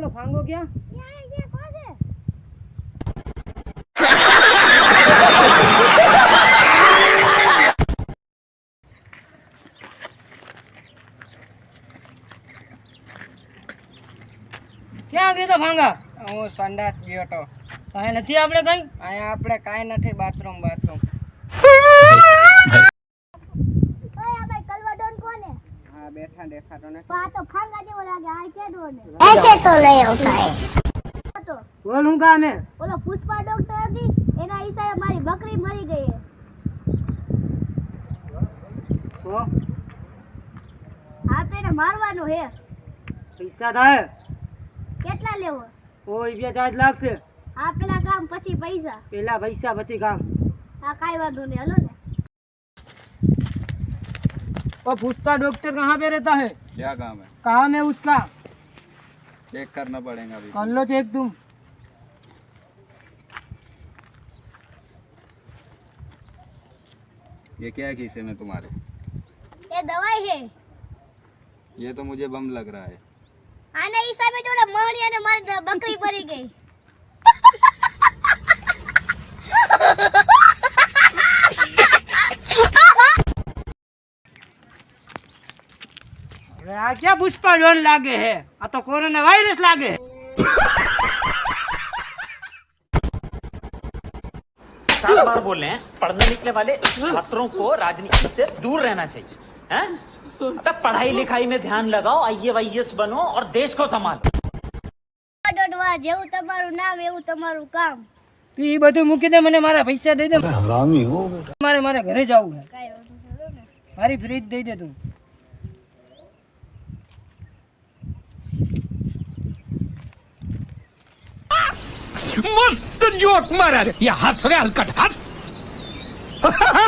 भांगो क्या? ये कौन है? ક્યાં ગયો તો ભાંગા? હું સંડાસ ગયો તો. કાંઈ નથી આપણે કઈ? અહીંયા આપણે કાંઈ નથી, બાથરૂમ. ઓય આ ભાઈ કલવાડોન કોણ હે? હા બેઠા દેખાતો નથી. આ તો ભાંગા જેવો લાગે. આ કેડો ને ऐसे तो नहीं होता है. તો બોલ હું કામ હે? ઓલો પુષ્પા ડોક્ટર હતી એના હિસાબે મારી બકરી મરી ગઈ હે. તો આ તો એને મારવાનું હે. પૈસા થાય? કેટલા લેવો? કોઈ બે ચાર્જ લાગશે. આ પેલા કામ પછી પૈસા. પેલા પૈસા પછી કામ. હા કાઈ વાંધો નહીં, હલો ને. और पुष्पा डॉक्टर कहाँ पे रहता है? क्या काम है? काम है उसका, चेक करना पड़ेगा अभी। कर लो चेक तुम। ये क्या है खीसे में तुम्हारे? ये दवाई है. ये तो मुझे बम लग रहा है। આના હિસાબે જો ઓલા મહણિયાને મારી બકરી મરી ગઈ. अरे आ क्या पुष्पा डॉन लागे है? आ तो कोरोना वायरस लागे है। सात बार बोल रहे हैं पढ़ने निकले वाले छात्रों को राजनीति से दूर रहना चाहिए हैं? अबे पढ़ाई लिखाई में ध्यान लगाओ, IAS बनो और देश को संभालो। ડોડવા જેવું તમારું નામ એવું તમારું કામ. તું ઈ બધું મૂકી દે, મને મારા પૈસા દઈ દે. हरामी हो बेटा। મારે ઘરે જવું છે. કાઈ વાંધો નહીં, હલો ને. મારી ફ્રીજ દઈ દે તું. मस्त जोक मारा रे, या हंस रे हलकट हंस।